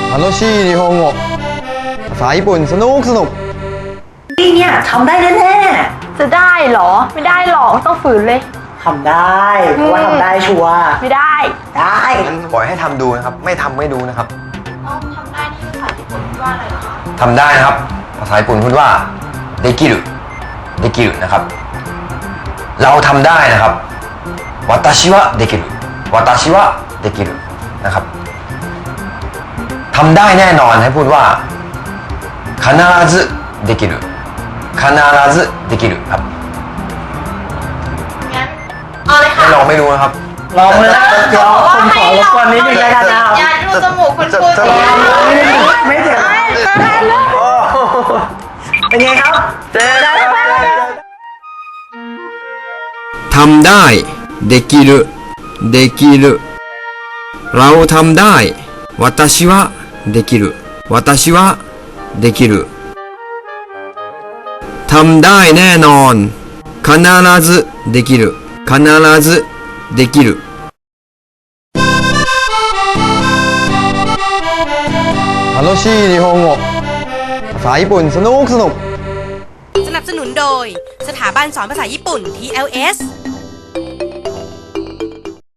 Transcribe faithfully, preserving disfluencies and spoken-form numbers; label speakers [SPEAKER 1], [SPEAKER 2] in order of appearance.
[SPEAKER 1] 楽しい日本語ภาษาญี่ปุ่นสนุกสนุก
[SPEAKER 2] นี่เนี่ยทำได้แน่
[SPEAKER 3] จะได้เหรอไม่ได้หรอกต้องฝืนเลย
[SPEAKER 2] ๆทำได้เพราะว่าทำได้ชัวร์
[SPEAKER 3] ไม่ได้
[SPEAKER 2] ได้
[SPEAKER 1] งั้นปล่อยให้ทำดูนะครับไม่ทำไม่ดูนะครับ
[SPEAKER 3] เอาทำได้ที่ภาษาญี่ปุ่นว่าอะไรเหรอคะ
[SPEAKER 1] ทำได้นะครับภาษาญี่ปุ่นพูดว่าできるできるนะครับเราทำได้นะครับ私はできる私はできるนะครับทำได้แน่นอนให้พูดว่า必ずできる必ずできるครับ
[SPEAKER 3] งั้นเอาเลยค่ะ
[SPEAKER 1] ไม่ลองไม่รู้นะครับ
[SPEAKER 2] ลองเลยเดี๋ยวผมขอรบกวนนิดนึงแล้วกันนะครับ
[SPEAKER 3] อย่าดูจมูกคุณครูสิ
[SPEAKER 2] ไม่เจ็บ
[SPEAKER 3] ตายแล้ว
[SPEAKER 2] เป็นไงครับเจ๊ได้ไหม
[SPEAKER 4] ทำได้できるできるเราทำได้私はできる私はできるทำได้แน่นอน必ずできる必ずできる
[SPEAKER 1] 楽しい日本語ภาษาญี่ปุ่นสนุกสนุก
[SPEAKER 5] สนับสนุนโดยสถาบันสอนภาษาญี่ปุ่น ที แอล เอส